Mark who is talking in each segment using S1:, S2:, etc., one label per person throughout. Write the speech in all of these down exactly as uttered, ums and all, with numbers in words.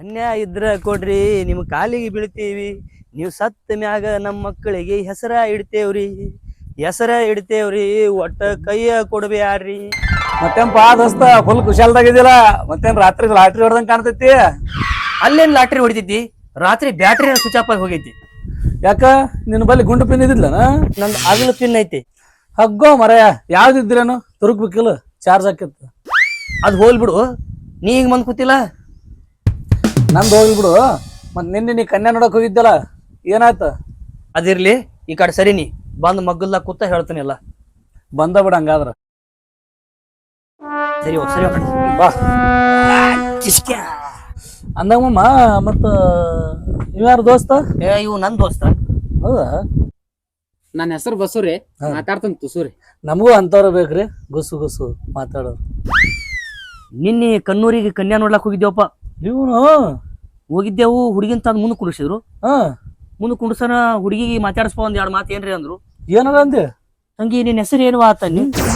S1: ಅನ್ಯಾಯ ಇದ್ರ ಕೊಡ್ರಿ, ನಿಮ್ ಕಾಲಿಗೆ ಬೀಳ್ತೀವಿ. ನೀವು ಸತ್ತ ಮ್ಯಾಗ ನಮ್ಮ ಮಕ್ಕಳಿಗೆ ಹೆಸರ ಇಡ್ತೇವ್ರಿ, ಹೆಸರ ಇಡ್ತೇವ್ರಿ. ಒಟ್ಟ ಕೈಯ ಕೊಡ್ಬ್ಯಾಡ್ರಿ.
S2: ಮತ್ತೇನ್ಪ ದೋಸ್ತ ಫುಲ್ ಕುಶಾಲ್ದಾಗಿದ್ದಿಲ್ಲ. ಮತ್ತೇನ್ ರಾತ್ರಿ ಲಾಟ್ರಿ ಹೊಡ್ದಂಗ್ ಕಾಣ್ತೈತಿ?
S1: ಅಲ್ಲೇನ್ ಲಾಟ್ರಿ ಹೊಡಿತೈತಿ, ರಾತ್ರಿ ಬ್ಯಾಟ್ರಿ ಸ್ವಿಚ್ ಆಫ್ ಆಗಿ ಹೋಗೈತಿ.
S2: ಯಾಕ ನಿನ್ನ ಬಲ್ಲಿ ಗುಂಡು ಪಿನ್ ಇದಿದ್ಲನ?
S1: ನಂದು ಅಗಲು ಪಿನ್ ಐತಿ.
S2: ಹಗ್ಗೋ ಮರಯ, ಯಾವ್ದಿದ್ರೇನು ತುರುಕ್ಬೇಕಿಲ್ಲ, ಚಾರ್ಜ್ ಹಾಕಿತ್ತು.
S1: ಅದ್ ಹೋಲ್ ಬಿಡು, ನೀ ಹಿಂಗ್ ಬಂದ್ ಕೂತಿಲ್ಲ.
S2: ನಂದು ಹೋಗ್ಲಿ ಬಿಡು. ಮತ್ ನಿನ್ನೆ ನೀ ಕನ್ಯಾ ನೋಡಕ್ ಹೋಗಿದ್ದಲ್ಲ, ಏನಾಯ್ತ?
S1: ಅದಿರ್ಲಿ, ಈ ಕಡೆ ಸರಿ. ನೀ ಬಂದ್ ಮಗ್ಗಲ್ದಾಗ ಕೂತ ಹೇಳ್ತಾನೆ ಎಲ್ಲ.
S2: ಬಂದ ಬಿಡ ಹಂಗಾದ್ರ.
S1: ಸರಿ ಹೋಗ್, ಸರಿ ಹೋಗ್.
S2: ಬಾ ಅಂದಂಗಮ್ಮ. ಮತ್ತ ಇವ್ಯಾರು ದೋಸ್ತ?
S1: ಏ ಇವು ನನ್ ದೋಸ್ತ.
S2: ಹೌದಾ?
S3: ನನ್ನ ಹೆಸರು ಬಸೂರಿ, ಮಾತಾಡ್ತಾನ ತುಸೂರಿ.
S2: ನಮಗೂ ಅಂತವ್ರ ಬೇಕ್ರಿ, ಗುಸು ಗುಸು ಮಾತಾಡೋರು.
S1: ನಿನ್ನೆ ಕಣ್ಣೂರಿಗೆ ಕನ್ಯಾ ನೋಡ್ಲಾಕ್ ಹೋಗಿದ್ದೇವಪ್ಪ.
S2: ಇವನು
S1: ಹೋಗಿದ್ದೆವು. ಹುಡುಗಿನ ತಂದ್ ಮುಂದೆ ಕುಂಡಿಸಿದ್ರು.
S2: ಹಾ,
S1: ಮುಂದೆ ಕುಂಡ್ಸನ ಹುಡುಗಿಗೆ ಮಾತಾಡಿಸ್ಪ ಒಂದ್ ಎರಡು ಮಾತು ಏನ್ರಿ ಅಂದ್ರು.
S2: ಏನಾರ ಅಂದೆ?
S1: ತಂಗಿ ನಿನ್ನ ಹೆಸರು ಏನು ಆತ?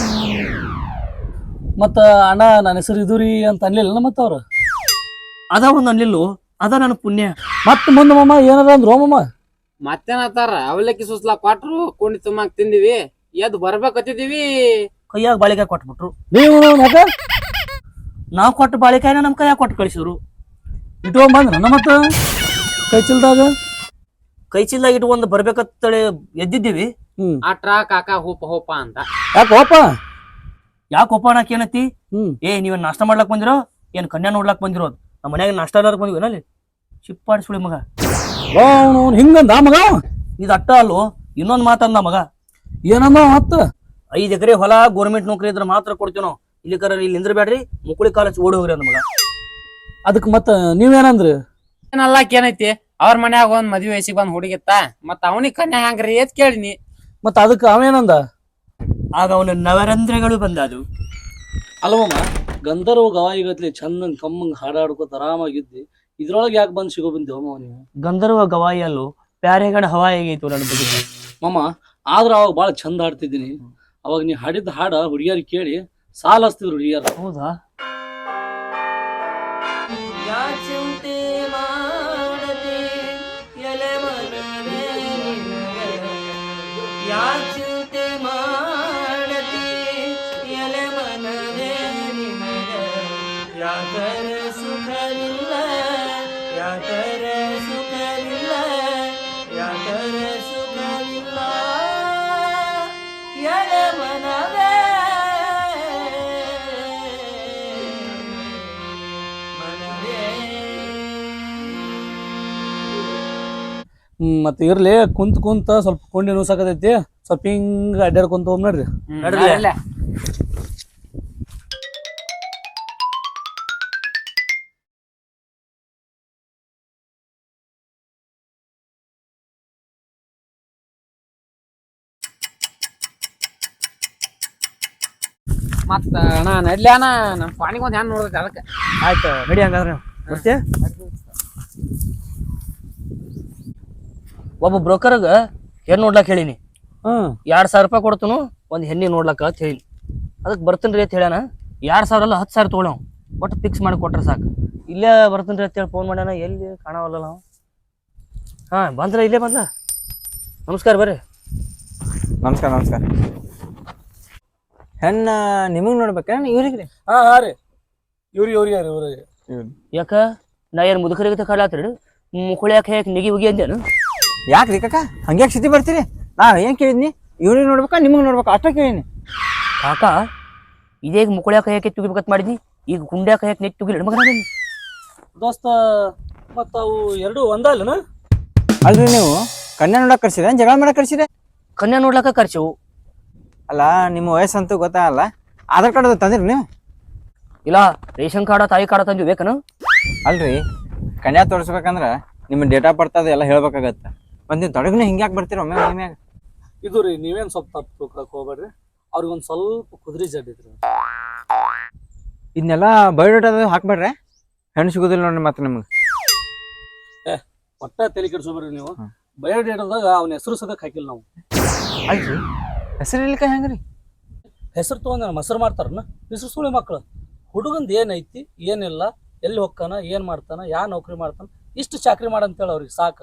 S2: ಮತ್ತ ಅಣ್ಣ ನನ್ನ ಹೆಸರು ಇದುರಿ ಅಂತ ಅನ್ಲಿಲ್ಲ ಮತ್ತ ಅವ್ರು?
S1: ಅದ ಒಂದ್ ಅನ್ಲಿಲ್ಲು, ಅದ ನನ್ನ ಪುಣ್ಯ.
S2: ಮತ್ ಮುಂದ ಮಮ್ಮ ಏನಾರ ಅಂದ್ರು? ಮಮ್ಮ
S3: ಮತ್ತೇನತ್ತಾರ, ಅವಲಕ್ಕಿ ಸುಸ್ಲಾ ಕೊಟ್ರು, ಕುಂಡಿ ತುಂಬಾಕ್ ತಿಂದಿವಿ, ಎದ್ ಬರ್ಬೇಕತ್ತಿದೀವಿ,
S1: ಕೈಯಾಗ ಬಾಳಿಕಾಯಿ ಕೊಟ್ಬಿಟ್ರು.
S2: ನೀವು ಯಾಕ?
S1: ನಾವ್ ಕೊಟ್ಟ ಬಾಳಿಕಾಯಿನ ನಮ್ ಕೈಯಾಗ ಕೊಟ್ಟು ಕಳಿಸಿದ್ರು.
S2: ಇಟ್ಕೊಂಡ್ ಬಂದ್ರ ನನ್ನ ಮತ್ತ ಕೈ ಚಲ್ದಾಗ
S1: ಕೈ ಚೀಲ್ದಾಗ ಇಟ್ಕೊಂಡ್ ಬರ್ಬೇಕತ್ತಳೆ ಎದ್ದಿದ್ದೀವಿ.
S2: ಹ್ಮ್
S3: ಆಟ್ರಾ ಕಾಕಾ ಹೋಪ ಹೋಪ ಅಂತ.
S2: ಯಾಕ ಹೋಪ?
S1: ಯಾಕೆ ಒಪ್ಪ ನಾಕ್ ಏನತಿ?
S2: ಹ್ಮ್
S1: ಏ ನೀವೇನ್ ನಾಷ್ಟ ಮಾಡ್ಲಾಕ್ ಬಂದಿರೋ ಏನ್ ಕನ್ಯಾ ನೋಡ್ಲಾಕ್ ಬಂದಿರೋ? ನಮ್ಮ ಮನ್ಯಾಗ ನಾಷ್ಟ ಎಲ್ಲಾರು ಬಂದಿವಿ ನಲ್ಲಿ ಚಿಪ್ಪಾಡಿಸ್ಬಿಡಿ ಮಗ.
S2: ಹಿಂಗಂದ ಮಗ?
S1: ಇದು ಅಟ್ಟ ಅಲ್ಲೋ, ಇನ್ನೊಂದ್ ಮಾತಂದ ಮಗ.
S2: ಏನಂದ ಮತ್ತ?
S1: ಐದ್ ಎಕರೆ ಹೊಲ ಗೋರ್ಮೆಂಟ್ ನೌಕರಿ ಇದ್ರೆ ಮಾತ್ರ ಕೊಡ್ತೀವಿ ನಾವು, ಇಲ್ಲಿ ಕರ ಇಲ್ಲಿ ನಿಂದ್ರಬೇಡ್ರಿ, ಮುಕುಳಿ ಕಾಲೇಜ್ ಓಡಿ ಹೋಗ್ರಿ ಅಂದ ಮಗ.
S2: ಅದಕ್ ಮತ್ತ ನೀವೇನಂದ್ರಿ?
S3: ಏನಲ್ಲಾಕ್ ಏನೈತಿ, ಅವ್ರ ಮನ್ಯಾಗ ಒಂದ್ ಮದ್ವಿ ವಯಸ್ಸಿಗೆ ಬಂದ್ ಹುಡುಗಿತ್ತ, ಮತ್ ಅವನಿಗೆ ಕನ್ಯಾ ಹ್ಯಾಂಗ್ರಿ ಎತ್ ಕೇಳಿನಿ.
S2: ಮತ್ತ ಅದಕ್ಕ ಅವೇನಂದ?
S1: ಆಗ ಅವನ ನವರಂಧ್ರಗಳು ಬಂದದು.
S2: ಅಲ್ವಮ್ಮ, ಗಂಧರ್ವ ಗವಾಯಿಗತ್ಲಿ ಚಂದಂಗ್ ಕಮ್ಮಂಗ್ ಹಾಡಾಡ್ಕೋತ ಆರಾಮಾಗಿದ್ದಿ, ಇದ್ರೊಳಗೆ ಯಾಕೆ ಬಂದ್ ಸಿಗೋ ಬಂದೇವಮ್ಮ ನೀವು?
S1: ಗಂಧರ್ವ ಗವಾಯಿ ಅಲ್ಲೂ ಪ್ಯಾರೆಗಣ ಹವಾ ಹೇಗೈತು ನನ್ನ ಬದುಕು.
S2: ಮಮ್ಮ ಆದ್ರ ಅವಾಗ ಬಾಳ ಚಂದ ಹಾಡ್ತಿದ್ದೀನಿ. ಅವಾಗ ನೀ ಹಾಡಿದ ಹಾಡ ಹುಡುಗಿಯರಿಗೆ ಕೇಳಿ ಸಾಲ ಹಚ್ತಿದ್ರು ಹುಡುಗಿಯರ.
S1: ಹೌದಾ?
S2: ಹ್ಮ್ ಮತ್ತ ಇರ್ಲಿ, ಕುಂತ ಕುಂತ ಸ್ವಲ್ಪ ಕೊಂಡಿ ನುಸಾಕತೈತಿ, ಸ್ವಲ್ಪ ಹಿಂಗ ಅಡ್ಡಾಡ್ಕೊಂತ ಹೋಗ್ ನೋಡ್ರಿ.
S3: ಮತ್ತ ಅಣ್ಣ ನಡ್ಲಿ ಅಣ್ಣ, ನಮ್ ಪಾಣಿಗೆ ಒಂದ್ ಹೆಣ್ ನೋಡ್ಬೇಕು ಅದಕ್ಕೆ.
S1: ಆಯ್ತು ನಡಿ, ಹಂಗಾದ್ರೆ ಬರ್ತೀಯ? ಒಬ್ಬ ಬ್ರೋಕರ್ಗ ಹೆಣ್ಣು ನೋಡ್ಲಾಕ್ ಹೇಳಿನಿ.
S2: ಹ್ಮ್
S1: ಎರಡ್ ಸಾವಿರ ರೂಪಾಯಿ ಕೊಡ್ತನು ಒಂದ್ ಹೆಣ್ಣಿ ನೋಡ್ಲಾಕ ಅಂತ ಹೇಳಿ. ಅದಕ್ಕೆ ಬರ್ತೇನ್ರಿ ಅಂತ ಹೇಳ್ಯಾನ. ಎರಡ್ ಸಾವಿರ ಅಲ್ಲ ಹತ್ತು ಸಾವಿರ ತೊಗೊಳ, ಒಟ್ಟು ಫಿಕ್ಸ್ ಮಾಡಿ ಕೊಟ್ರೆ ಸಾಕು. ಇಲ್ಲೇ ಬರ್ತೇನ್ರಿ ಅಂತ ಹೇಳಿ ಫೋನ್ ಮಾಡ್ಯಾನ, ಎಲ್ಲಿ ಕಾಣವಲ್ಲ ನಾವು. ಹಾ ಬಂದ್ರ, ಇಲ್ಲೇ ಬಂದ. ನಮಸ್ಕಾರ, ಬರ್ರಿ.
S4: ನಮಸ್ಕಾರ ನಮಸ್ಕಾರ. ಹೆಣ್ಣ ನಿಮಗ್ ನೋಡ್ಬೇಕ ಇವ್ರಿಗೆ?
S2: ಹಾ ಹಾ ರೀ, ಇವ್ರಿ ಇವ್ರಿ ಯಾರು ಇವ್ರಿಗೆ?
S1: ಯಾಕ ನಾ ಏನ್ ಮುದುಕರಿಗೆ ಕಾಲಾತ್ರಿ? ಮುಕುಳ್ಯಾಕ ಯಾಕೆ ನಿಗಿ ಹೋಗಿ ಅಂದೇನು?
S4: ಯಾಕ್ರಿ ಕಾಕ ಹಂಗ್ಯಾಕ್ ಸ್ಥಿತಿ ಬರ್ತೀರಿ? ನಾ ಏನ್ ಕೇಳಿದ್ನಿ, ಇವ್ರಿಗೆ ನೋಡ್ಬೇಕಾ ನಿಮಗ್ ನೋಡ್ಬೇಕಾ ಅಷ್ಟ ಕೇಳಿನಿ.
S1: ಕಾಕ ಇದೇಗ ಮುಕುಳ್ಯಾಕ ಯಾಕೆ ತುಗಿಬೇಕತ್ ಮಾಡಿದ್ನಿ, ಈಗ ಗುಂಡ್ಯಾಕ ಯಾಕೆ ನೆಟ್ ತುಗಿಲ್ ಮಗನ?
S2: ದೋಸ್ತ ಮತ್ತ ಅವು ಎರಡು ಒಂದ ಅಲ್ಲನ?
S4: ಅಲ್ರಿ ನೀವು ಕನ್ಯಾ ನೋಡಕ್ ಕರ್ಸಿದ್ರೆ ಜಗಳ ಮಾಡಕ್ ಕರ್ಸಿದೆ?
S1: ಕನ್ಯಾ ನೋಡ್ಲಾಕ ಖರ್ಚು.
S4: ಅಲ್ಲ ನಿಮ್ಮ ವಯಸ್ಸಂತೂ ಗೊತ್ತಾಗಲ್ಲ, ಆಧಾರ್ ಕಾರ್ಡ್ ತಂದಿರಿ ನೀವು?
S1: ಇಲ್ಲ, ರೇಷನ್ ಕಾರ್ಡ ತಾಯಿ ಕಾರ್ಡ ತಂದು ಬೇಕನು?
S4: ಅಲ್ರಿ ಕನ್ಯಾ ತೋರಿಸ್ಬೇಕಂದ್ರ ನಿಮ್ಮ ಡೇಟ್ ಆಫ್ ಬರ್ತ್ ಅದು ಎಲ್ಲ ಹೇಳ್ಬೇಕಾಗತ್ತ. ಮತ್ ನೀವು ತೊಡಗಿನ ಹಿಂಗ್ಯಾಕ್ ಬರ್ತೀರ ಒಮ್ಮೆ ಒಮ್ಮ್ಯಾಗ?
S2: ಇದು ರೀ, ನೀವೇನ್ ಸ್ವಲ್ಪ ತಪ್ಪು ತಿಳ್ಕೊಳಕ್ ಹೋಗ್ಬೇಡ್ರಿ. ಅವ್ರಿಗೆ ಒಂದ್ ಸ್ವಲ್ಪ ಕುದುರೆ ಜಡ್ಡಿದ್ರಿ.
S4: ಇದನ್ನೆಲ್ಲ ಬಯೋಡೇಟಾ ಹಾಕ್ಬೇಡ್ರೆ ಹೆಣ್ಣು ಸಿಗೋದಿಲ್ಲ ನೋಡ್ರಿ ಮತ್ತೆ ನಿಮ್ಗೆ.
S2: ಏ ಒಟ್ಟ ತಲೆ ಕೆಡ್ಸೋಬೇಡ್ರಿ ನೀವು. ಬಯೋಡೇಟಾದಾಗ ಅವನ ಹೆಸರು ಸದಕ್ ಹಾಕಿಲ್ಲ ನಾವು.
S4: ಅಲ್ರಿ ಹೆಸರು ಇಲ್ಲಿಕ ಹೆಂಗ್ರಿ?
S2: ಹೆಸರು ತಗೊಂಡ ಮೊಸರು ಮಾಡ್ತಾರನ ಹೆಸರು ಸುಳಿ ಮಕ್ಕಳು. ಹುಡುಗಂದು ಏನೈತಿ ಏನಿಲ್ಲ ಎಲ್ಲಿ ಹೋಗ್ತಾನ ಏನ್ ಮಾಡ್ತಾನ ಯಾ ನೌಕರಿ ಮಾಡ್ತಾನ ಇಷ್ಟು ಚಾಕ್ರಿ ಮಾಡಂತೇಳಿ ಅವ್ರಿಗೆ ಸಾಕು.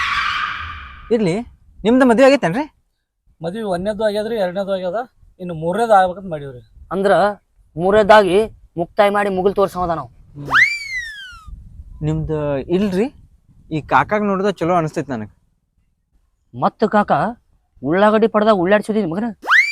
S4: ಇರ್ಲಿ, ನಿಮ್ದು ಮದುವೆ ಆಗೈತೇನ್ರಿ?
S2: ಮದ್ವಿ ಒಂದನೇದು ಆಗ್ಯದ್ರಿ, ಎರಡನೇದು ಆಗ್ಯದ, ಇನ್ನು ಮೂರನೇದು ಆಗ್ಬೇಕಂತ ಮಾಡಿವ್ರಿ.
S1: ಅಂದ್ರ ಮೂರನೇದಾಗಿ ಮುಕ್ತಾಯ ಮಾಡಿ ಮುಗಿಲ್ ತೋರ್ಸೋದ ನಾವು.
S4: ನಿಮ್ದು ಇಲ್ರಿ, ಈ ಕಾಕಾಗ ನೋಡಿದ ಚಲೋ ಅನಿಸ್ತೈತಿ ನನಗೆ.
S1: ಮತ್ತ ಕಾಕ ಉಳ್ಳಾಗಡ್ಡಿ ಪಡ್ದಾಗ ಉಳ್ಳಾಡ್ಸಿದಿ ಮಗನ.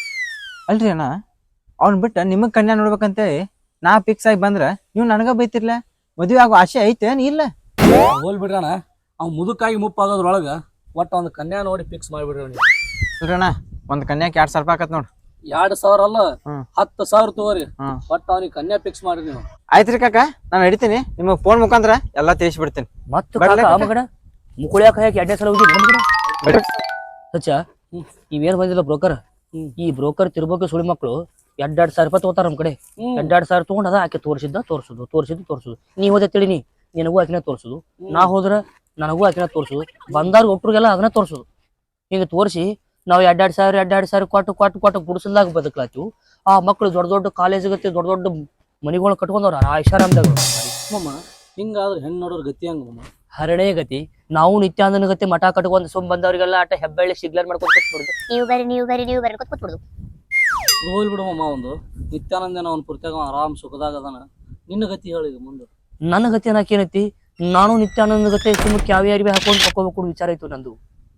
S4: ಅಲ್ರಿ ಅಣ್ಣ, ಅವ್ನ ಬಿಟ್ಟು ನಿಮಗೆ ಕನ್ಯಾ ನೋಡ್ಬೇಕಂತೇಳಿ ನಾ ಫಿಕ್ಸ್ ಆಗಿ ಬಂದ್ರೆ ನೀವು ನನಗ ಬೈತಿರ್ಲ. ಮದುವೆ ಆಗೋ ಆಸೆ ಐತೇನ್ ಇಲ್ಲ?
S2: ಹೋಲ್ ಬಿಡ್ರಣ, ಅವ್ನು ಮುದುಕಾಗಿ ಮುಪ್ಪಾಗೋದ್ರೊಳಗ ಒಟ್ಟು ಒಂದು ಕನ್ಯಾ ನೋಡಿ ಫಿಕ್ಸ್ ಮಾಡಿಬಿಡ್ರಿ.
S4: ಇಲ್ರಿ ಅಣ್ಣ, ಒಂದು ಕನ್ಯಾಕ್ ಎರಡು ಸಾವಿರ ರೂಪಾಯಿ ಆಕತ್ ನೋಡ್ರಿ.
S2: ಎರಡ್ ಸಾವಿರ ಅಲ್ಲ,
S4: ಹ್ಮ್.
S2: ಹತ್ತು ಸಾವಿರ ತಗೋರಿ.
S4: ಹ್ಮ್.
S2: ಒಟ್ಟು ಅವ್ನಿಗೆ ಕನ್ಯಾ ಫಿಕ್ಸ್ ಮಾಡ್ರಿ ನೀವು.
S4: ಆಯ್ತ್ರಿ ಕಾಕ, ನಾನು ಹಿಡಿತೀನಿ. ನಿಮಗೆ ಫೋನ್ ಮುಖಾಂತರ ಎಲ್ಲಾ ತಿಳಿಸ್ಬಿಡ್ತೀನಿ.
S1: ಮತ್ತ
S4: ಬರ್ಲಾ
S1: ಕಾಕ
S4: ಕಾಕ?
S1: ಮಗನ ಮುಕುಳ್ಯಾಕ ಹಾಕಿ ಎರಡನೇ ಸಲ ಹೋಗಿ ಮಗನ
S4: ಬರ್ರಿ.
S1: ಸಚ್ಚ ಇವೇನ್ ಬಂದಿಲ್ಲ ಬ್ರೋಕರ್.
S2: ಹ್ಮ್.
S1: ಈ ಬ್ರೋಕರ್ ತಿರ್ಬೇಕು ಸುಳಿ ಮಕ್ಕಳು ಎರಡ್ ಸಾವಿರ ರೂಪಾಯಿ ತಗೋತಾರ ನಮ್ ಕಡೆ.
S2: ಹ್ಮ್.
S1: ಎರಡ್ ಸಾವಿರ ತಗೊಂಡ್ ಅದ ಆಕೆ ತೋರಿಸಿದ್ದ ತೋರ್ಸುದು ತೋರಿಸಿದ್ದು ತೋರ್ಸುದು. ನೀ ಹೋದೆ ತಿಳಿನಿ ನಿನಗೂ ಆಕಿನ ತೋರ್ಸುದು, ನಾ ಹೋದ್ರ ನನಗೂ ಆಕಿನ ತೋರ್ಸುದು, ಬಂದಾರ ಒಟ್ರಿಗೆಲ್ಲ ಅದನ್ನ ತೋರ್ಸುದು. ಹಿಂಗ ತೋರಿಸಿ ನಾವು ಎರಡ್ ಎರಡ್ ಸಾವಿರ ಎರಡ್ ಎರಡ್ ಸಾವಿರ ಕೊಟ್ಟು ಕೊಟ್ಟು ಕೊಟ್ಟು ಗುಡಿಸಲ್ದಾಗ ಬದುಕ್ಲಾತಿವು. ಆ ಮಕ್ಕಳು ದೊಡ್ಡ ದೊಡ್ಡ ಕಾಲೇಜ್ ಗತಿ ದೊಡ್ಡ ದೊಡ್ಡ ಮನಿಗಳು ಕಟ್ಕೊಂಡವ್ರ ಆ ಐಷಾರಾಮ್ದಾಗ.
S2: ಮಮ್ಮ ಹಿಂಗಾದ್ರೆ ಹೆಣ್ಣು ನೋಡೋರ್ ಗತಿ ಹಂಗ ಮಮ್ಮ.
S1: ಹರಣೆ ಗತಿ. ನಾವು ನಿತ್ಯಾನಂದನ ಗತಿ ಮಠ ಕಟ್ಕೊಂಡ್ ಸುಮ್ ಬಂದವ್ರಿಗೆಲ್ಲ ಆಟ ಹೆಬ್ಬಳ್ಳಿ ಸಿಗ್ಲರ್ ಮಾಡ್ಕೊಂಡು ಕೂತ್ಬಿಡುದು.
S5: ನೀವು ಬರ್ರಿ ನೀವು ಬರ್ರಿ ನೀವು ಬರ್ರಿ ಅಂತ ಕೂತ್ಬಿಡುದು.
S2: ಹೋಲ್ ಬಿಡು ಮಮ್ಮ, ಒಂದು ನಿತ್ಯಾನಂದನ ಅವ್ನ ಪುರ್ತ್ಯಾಗ ಆರಾಮ್ ಸುಖದಾಗ ಅದಾನ. ನಿನ್ನ ಗತಿ ಹೇಳಿಗ ಮುಂದೆ.
S1: ನನ್ನ ಗತಿ ಅನ್ನಕ್ಕೆ ಏನೈತಿ? ನಾನು ನಿತ್ಯಾನಂದ ಗತಿ ಸುಮ್ಮನೆ ಕ್ಯಾವಿ ಅರಿವಿ ಹಾಕೊಂಡು ತಕೋಬೇಕು ವಿಚಾರ ಐತು ನಂದು.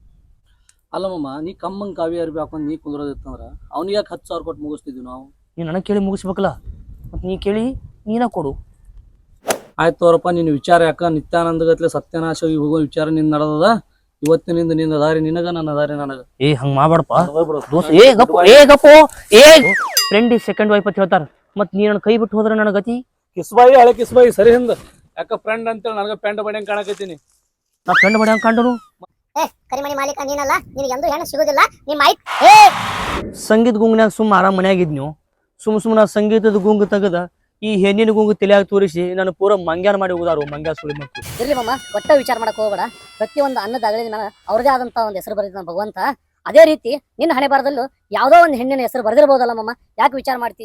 S2: ಅಲ್ಲ ಮಮ್ಮ, ನೀ ಕಮ್ಮಂಗ್ ಕಾವಿ ಅರ್ಬಿ ಹಾಕೊಂಡ್ ನೀ ಕುಂದ್ರೋದಿತ್ತಂದ್ರ ಅವ್ನಿಗೆ ಯಾಕೆ ಹತ್ತು ಸಾವಿರ ಕೊಟ್ಟು ಮುಗಿಸ್ತಿದ್ವಿ ನಾವು.
S1: ನೀ ನನಗೆ ಕೇಳಿ ಮುಗಿಸ್ಬೇಕಲ್ಲ, ಮತ್ ನೀ ಕೇಳಿ ನೀನ ಕೊಡು.
S2: ಆಯ್ತು ತೋರಪ್ಪ, ನಿನ್ನ ವಿಚಾರ ಯಾಕ ನಿತ್ಯಾನಂದ ಗತ್ಲೆ ಸತ್ಯನಾಶ ಹೋಗೋ ವಿಚಾರ ನಿನ್ ನಡೆದದ. ಇವತ್ತಿನಿಂದ ನಿನ್ನ ದಾರಿ ನಿನಗ, ನನ್ನ ದಾರಿ ನನಗ.
S1: ಏ ಹಂಗ ಮಾಡ್ಬೇಡಪ್ಪ ದೋಸ್ತ. ಏ ಗಪ್ಪು ಏ ಗಪ್ಪು ಏ ಫ್ರೆಂಡ್ ಈ ಸೆಕೆಂಡ್ ವೈಫ್ ಅಂತ ಹೇಳ್ತಾರ, ಮತ್ ನೀ ನನ್ನ ಕೈ ಬಿಟ್ಟು ಹೋದ್ರ ನನ್ನ ಗತಿ.
S2: ಕಿಸ್ಬಾಯಿ ಹಳೆ ಕಿಸ್ಬಾಯಿ ಸರಿ ಹಿಂದ ಯಾಕ ಫ್ರೆಂಡ್ ಅಂತೇಳಿ ನನಗ ಪೆಂಡ್ ಬಡಿಯಂಗ್ ಕಾಣಕತ್ತೀನಿ.
S1: ನಾ ಫ್ರೆಂಡ್ ಬಡ ಹಂಗ ಕಂಡನು.
S5: ಏ ಕರಿಮಣಿ ಮಾಲೀಕ ನೀನಲ್ಲ, ನಿನಗೆ ಎಂದೂ ಹೆಣ್ಣು ಸಿಗೋದಿಲ್ಲ. ನಿಮ್ಮ ಆಯ್ತು ಏ
S1: ಸಂಗೀತ ಗುಂಗ್ನ್ಯಾಗ ಸುಮ್ಮ ಆರಾಮ್ ಮನ್ಯಾಗಿದ್ನು. ಸುಮ್ ಸುಮ್ಮನ ಸಂಗೀತದ ಗುಂಗು ತೆಗದ ಈ ಹೆಣ್ಣಿನ ಗುಂಗು ತಲೆಯಾಗ ತೋರಿಸಿ ನಾನು ಪೂರ ಮಂಗ್ಯಾನ ಮಾಡಿ ಹೋದಾರು ಮಂಗ್ಯಾ ಸುಳಿ ಮಕ್ಕಳು.
S6: ಇರ್ಲಿ ಮಮ್ಮ, ಒಟ್ಟ ವಿಚಾರ ಮಾಡಕ್ ಹೋಗ್ಬೇಡ. ಪ್ರತಿಯೊಂದು ಅನ್ನದ ಅಗಳಿದ ಮೇಲೆ ಅವ್ರದೇ ಆದಂತ ಒಂದು ಹೆಸರು ಬರೆದಿದ್ದಾನ ಭಗವಂತ. ಅದೇ ರೀತಿ ನಿನ್ನ ಹಣೆ ಬಾರದಲ್ಲೂ ಯಾವ್ದೋ ಒಂದು ಹೆಣ್ಣಿನ ಹೆಸರು ಬರೆದಿರ್ಬೋದಲ್ಲ ಮಮ್ಮ, ಯಾಕೆ ವಿಚಾರ ಮಾಡ್ತಿ?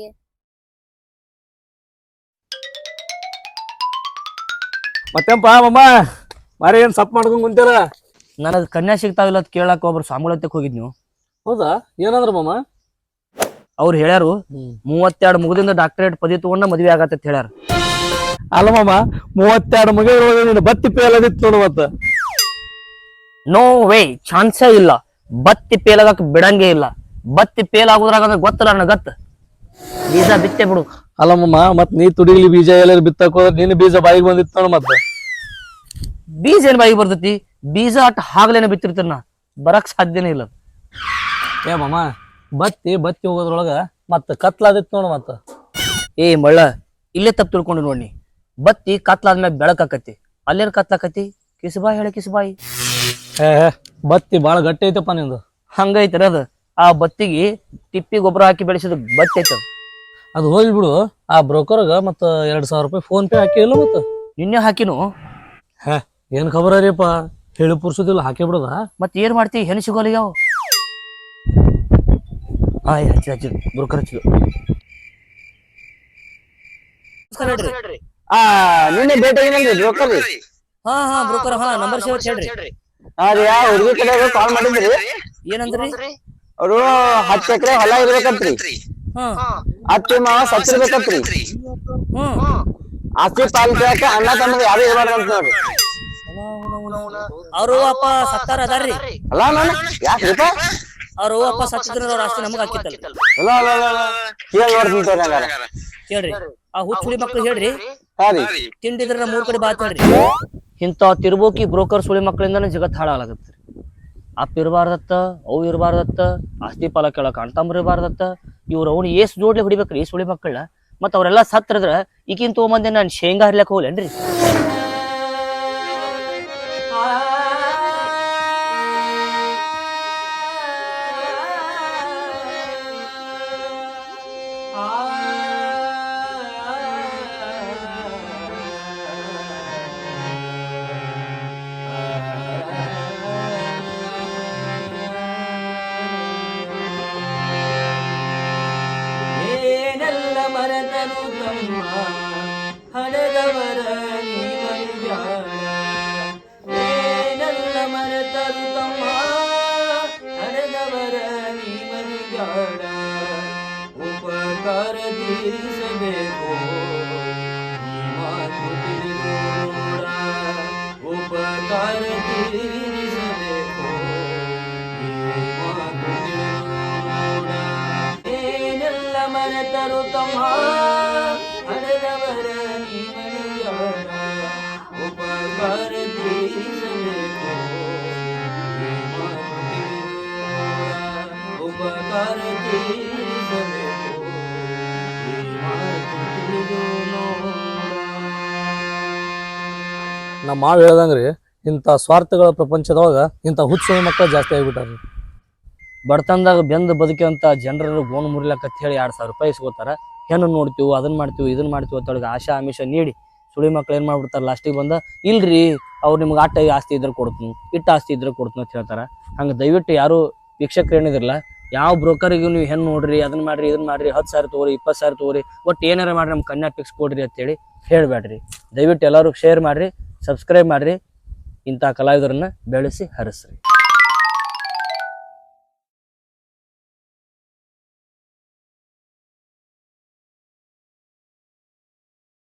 S2: ಮತ್ತೆಂಪ ಮಮ್ಮ ಮಾರಿ ಏನ್ ಸಪ್ ಮಾಡ್ಕೊಂಡ್ ಕುಂತೀರ?
S1: ನನಗೆ ಕನ್ಯಾ ಸಿಗ್ತಾವಿಲ್ಲ ಅಂತ ಕೇಳಾಕ ಒಬ್ರು ಸಾಮೂಲತ್ಯಕ್ಕೆ ಹೋಗಿದ್ನು.
S2: ಹೌದಾ, ಏನಂದ್ರ ಮಮ್ಮ?
S1: ಅವ್ರು ಹೇಳ್ಯಾರು ಮೂವತ್ತೆರಡು ಮುಗದಿಂದ ಡಾಕ್ಟರೇಟ್ ಪದವಿ ತಗೊಂಡ ಮದ್ವೆ ಆಗತ್ತ ಹೇಳ್ಯಾರ.
S2: ಅಲ್ಲ ಮಮ್ಮ, ಮೂವತ್ತೆರಡು ಮಗ ಬತ್ತಿ ಪೇಲದಿತ್ತು ನೋಡು. ಮತ್ತ
S1: ನೋ ವೇ, ಚಾನ್ಸೇ ಇಲ್ಲ. ಬತ್ತಿ ಪೇಲಾಗಕ್ ಬಿಡಂಗೇ ಇಲ್ಲ. ಬತ್ತಿ ಪೇಲ್ ಆಗುದ್ರಾಗ ಗೊತ್ತಲ್ಲ ನನ್ನ ಗತ್ತ. ಬೀಜ ಬಿತ್ತೆ ಬಿಡು.
S2: ಅಲ್ಲ ಮಮ್ಮ, ಮತ್ ನೀ ತುಡಿಗ್ಲಿ ಬೀಜ ಎಲ್ಲ ಬಿತ್ತಕ್ ಹೋದ್ರ ನಿನ್ನ ಬೀಜ ಬಾಯಿಗೆ ಬಂದಿತ್ತು ನೋಡು. ಮತ್ತ
S1: ಬೀಜ ಏನ್ ಬಾಯಿಗೆ ಬರ್ತೈತಿ? ಬೀಜ ಅಟ್ ಹಾಗ್ಲೇನೆ ಬಿತ್ತಿರ್ತೀರ ನಾ, ಬರಕ್ ಸಾಧ್ಯನೇ ಇಲ್ಲ.
S2: ಏ ಮಮ್ಮ, ಬತ್ತಿ ಬತ್ತಿ ಹೋಗೋದ್ರೊಳಗ ಮತ್ತ ಕತ್ಲಾದಿತ್ತು ನೋಡು. ಮತ್ತ
S1: ಏ ಮಳ್ಳ, ಇಲ್ಲೇ ತಪ್ಪು ತಿಳ್ಕೊಂಡು ನೋಡಿ. ಬತ್ತಿ ಕತ್ಲಾದ್ಮೇಲೆ ಬೆಳಕಾಕತಿ, ಅಲ್ಲೇನ್ ಕತ್ಲಾಕತಿ? ಕಿಸ್ಬಾಯಿ ಹೇಳ ಕಿಸ್ಬಾಯಿ.
S2: ಏ ಬತ್ತಿ ಬಾಳ ಗಟ್ಟಿ ಐತಪ್ಪ ನಿಂದು.
S1: ಹಂಗೈತರ ಅದ. ಆ ಬತ್ತಿಗೆ ತಿಪ್ಪಿ ಗೊಬ್ಬರ ಹಾಕಿ ಬೆಳೆಸಿದ ಬತ್ತಿ ಐತದ.
S2: ಅದು ಹೋಗಿ ಬಿಡು. ಆ ಬ್ರೋಕರ್ಗ ಮತ್ತ ಎರಡ್ ಸಾವಿರ ರೂಪಾಯಿ ಫೋನ್ ಪೇ ಹಾಕಿ ಇಲ್ಲ ಮತ್ತ
S1: ನಿನ್ನೆ ಹಾಕಿನು.
S2: ಹೇ ಏನ್ ಖಬರ್ ಅರಿಯಪ್ಪ, ಹೇಳಿ ಪುರ್ಸುದಿಲ್ಲ ಹಾಕಿ ಬಿಡದ.
S1: ಮತ್ ಏನ್ ಮಾಡ್ತಿ? ಹೆಣ್ಣು ಸಿಗೋಲ್ಲ ಯಾವ? ಆಯ್ ಹಚ್ಚಿ ಹಚ್ಚಿ ಬ್ರೋಕರ್ ಹಚ್ಚಿದ್ರು.
S4: ಆ ನಿನ್ನೆ ಭೇಟಿ ಆಗಿನಲ್ರಿ ಬ್ರೋಕರ್ ರೀ?
S1: ಹಾ ಹಾ ಬ್ರೋಕರ್, ಹಾ ನಂಬರ್ ಸೇವ್ ಹೇಳ್ರಿ.
S4: ಅದ ಯಾ ಹುಡುಗಿ ಕಡೆ ಕಾಲ್ ಮಾಡಿದ್ರಿ?
S1: ಏನಂದ್ರಿ?
S4: ಅವರು ಹತ್ತು ಎಕರೆ ಹೊಲ ಇರ್ಬೇಕಂತ್ರಿ.
S1: ಹಾ
S4: ಅತ್ತಿ ಮಾವ ಸತ್ತಿರ್ಬೇಕಂತ್ರಿ.
S1: ಹ್ಮ್
S4: ಆಸ್ತಿ ಪಾಲಿಸಾಕ ಅಣ್ಣ ತಮ್ಮ ಯಾರು ಇರ್ಬಾರ್ದಂತ ನೋಡ್ರಿ.
S1: ಅವ್ರು ಅಪ್ಪ ಸತ್ತಾರ ಅದಾರ್ರಿ.
S4: ಅಲ್ಲ ನಾನು ಯಾಕ್ರಿಪ್ಪ?
S1: ಅವ್ರು ಅಪ್ಪ ಸತ್ತಿದ್ರ ಅವ್ರ ಆಸ್ತಿ ನಮಗ ಹಾಕಿತ್ತಲ್ಲ.
S4: ಅಲ್ಲ ಅಲ್ಲ ಅಲ್ಲ ಕೇಳಿ ನೋಡ್ತೀನಿ ತೋರಿ ಹಂಗಾರ.
S1: ಹೇಳ್ರಿ, ಆ ಹುಚ್ಚುಳಿ ಮಕ್ಳು ಹೇಳ್ರಿ,
S4: ಹಾ ರೀ,
S1: ತಿಂಡಿದ್ರ ಮೂರ್ ಕಡೆ ಬಾತ್ ಹೇಳ್ರಿ. ಇಂಥ ತಿರ್ಬೋಕಿ ಬ್ರೋಕರ್ ಸುಳಿ ಮಕ್ಕಳಿಂದಾನೆ ಜಗತ್ ಹಾಳಾಗತ್ರಿ. ಅಪ್ಪ ಇರಬಾರ್ದತ್ತ, ಅವು ಇರಬಾರ್ದತ್ತ, ಆಸ್ತಿ ಪಾಲ ಕೇಳಕ್ ಅಣ್ತಂಬ್ರ ಇರಬಾರ್ದತ್ತ. ಇವ್ರು ಅವ್ನು ಏಸ್ ಜೋಡ್ಲಿ ಹೊಡಿಬೇಕ್ರಿ ಈ ಸುಳಿ ಮಕ್ಕಳನ್ನ. ಮತ್ತ ಅವ್ರೆಲ್ಲಾ ಸತ್ರದ್ರ ಈಗಿನ ತಗೊಂಬಂದೆ ನಾನ್ ಶೇಂಗಾ ಹರ್ಲಕ್ ಹೋಗ್ಲೇನ್ರಿ? ಹಣದವರ ನೀ ಮರಿಬ್ಯಾಡ ಏನೆಲ್ಲ ಮರೆತರು ತಮ್ಮ ಹಣದವರ ನೀ ಮರಿಬ್ಯಾಡ ಉಪಕಾರ ತೀರಿಸಬೇಕು ಈ ಮಾತು ತಿಳಿದು ನೋಡ ಉಪಕಾರ ತೀರಿಸಬೇಕು ಈ ಮಾತು ತಿಳಿದು ನೋಡ ಏನೆಲ್ಲ ಮರೆತರು ತಮ್ಮ ಹಣದವರ ನೀ ಮರಿಬ್ಯಾಡ ಉಪಕಾರ ತೀರಿಸಬೇಕು ಈ ಮಾತು ತಿಳಿದು ನೋಡ ಉಪಕಾರ ತೀರಿಸಬೇಕು ಈ ಮಾತು ತಿಳಿದು ನೋಡ.
S2: ನಮ್ಮ ಮಾವು ಹೇಳ್ದಂಗ್ರಿ ಇಂಥ ಸ್ವಾರ್ಥಗಳ ಪ್ರಪಂಚದೊಳಗ ಇಂಥ ಹುಚ್ಚು ಮಕ್ಕಳು ಜಾಸ್ತಿ ಆಗಿಬಿಟ್ಟಾರ.
S1: ಬಡತನದಾಗ ಬೆಂದು ಬದುಕಿವಂತ ಜನರು ಗೋಣ್ ಮುರಿಲಕ್ಕ ಹೇಳಿ ಎರಡ್ ಸಾವಿರ ರೂಪಾಯಿ ಇಸ್ಕೋತಾರ. ಹೆಣ್ಣು ನೋಡ್ತೀವಿ ಅದನ್ನ ಮಾಡ್ತೀವಿ ಇದನ್ನ ಮಾಡ್ತೀವಿ ಅಂತೊಳಗೆ ಆಶಾ ಆಮಿಷ ನೀಡಿ ಸುಳಿ ಮಕ್ಳು ಏನ್ ಮಾಡ್ಬಿಡ್ತಾರ ಲಾಸ್ಟಿಗೆ ಬಂದ ಇಲ್ರಿ ಅವ್ರು ನಿಮ್ಗೆ ಆಟ ಆಸ್ತಿ ಇದ್ರೆ ಕೊಡ್ತೀನಿ ಇಟ್ಟು ಆಸ್ತಿ ಇದ್ರೆ ಕೊಡ್ತೀನಿ ಅಂತ ಹೇಳ್ತಾರ. ಹಂಗೆ ದಯವಿಟ್ಟು ಯಾರು ವೀಕ್ಷಕರು ಏನಿದಿರಲ್ಲ ಯಾವ ಬ್ರೋಕರಿಗೂ ನೀವು ಹೆಣ್ಣು ನೋಡ್ರಿ ಅದನ್ನ ಮಾಡ್ರಿ ಇದನ್ನ ಮಾಡ್ರಿ ಹತ್ತು ಸಾವಿರ ತಗೋರಿ ಇಪ್ಪತ್ತು ಸಾವಿರ ತಗೋರಿ ಒಟ್ಟು ಏನಾರ ಮಾಡ್ರಿ ನಮ್ಮ ಕನ್ಯಾ ಫಿಕ್ಸ್ ಕೊಡ್ರಿ ಅಂತೇಳಿ ಹೇಳ್ಬೇಡ್ರಿ. ದಯವಿಟ್ಟು ಎಲ್ಲರೂ ಶೇರ್ ಮಾಡ್ರಿ, ಸಬ್ಸ್ಕ್ರೈಬ್ ಮಾಡ್ರಿ, ಇಂಥ ಕಲಾವಿದರನ್ನ ಬೆಳೆಸಿ ಹರಿಸ್ರಿ.